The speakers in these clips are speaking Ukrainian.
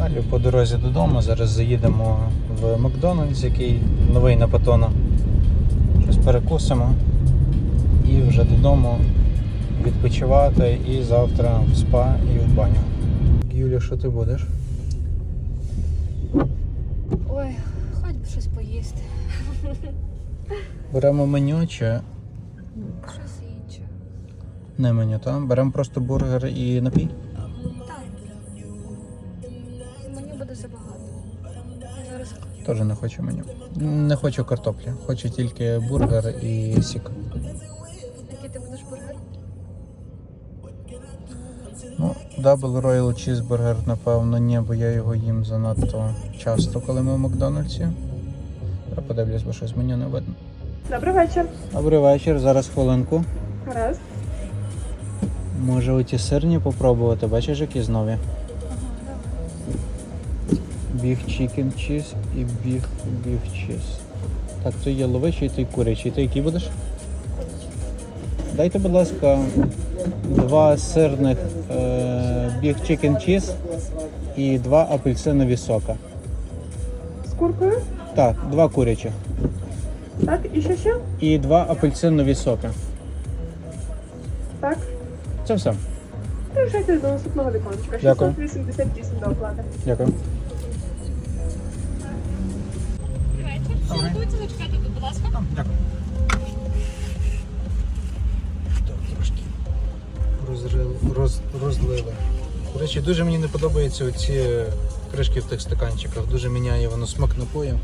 Далі по дорозі додому. Зараз заїдемо в Макдональдс, який новий на Патона. Щось перекусимо і вже додому відпочивати і завтра в спа і в баню. Юля, що ти будеш? Ой, хоч би щось поїсти. Беремо меню чи Щось інше. не меню, так? Беремо просто бургер і напій? Так. Мені буде забагато. Я зараз Теж не хочу меню. Не хочу картоплі, хочу тільки бургер і сік. який ти будеш бургер? Ну, Double Royal Cheeseburger, напевно, ні, бо я його їм занадто часто, коли ми в Макдональдсі. Я подивлюсь, бо щось меню не видно. Добрий вечір. Добрий вечір, зараз хвилинку. Гаразд. Може оті сирні попробувати, бачиш, які нові? Біг чікен чіз і біг чіз. Так, то є ловичий, то й курячий. Ти який будеш? Дайте, будь ласка, 2 сирних біг чікен чіз і 2 апельсинові сока. З куркою? Так, 2 курячих. Так, і що? І 2 апельсинові соки. Так. Це все. Приїжджайте до наступного віконечка. Дякую. 688 до оплати. Дякую. Готуйте, зачекайте, будь ласка. Дякую. Так, трошки розлили. До речі, дуже мені не подобаються оці кришки в тих стаканчиках. Дуже міняє воно смак напою.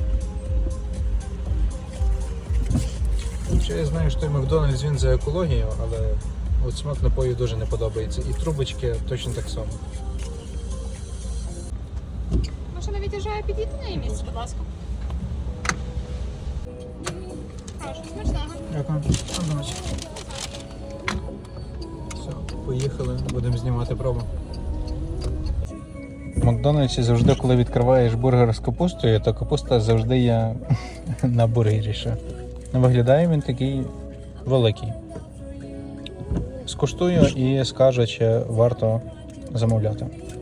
Хоча я знаю, що той Макдональдс він за екологію, але от смак напою дуже не подобається. І трубочки точно так само. Машина від'їжджає, підійти на її місце, будь ласка. Прошу, смачного. Дякую. Все, поїхали, будемо знімати пробу. В Макдональдсі завжди, коли відкриваєш бургер з капустою, то капуста завжди є на бургері ще. Виглядає він такий великий. Скуштую і скажу, чи варто замовляти.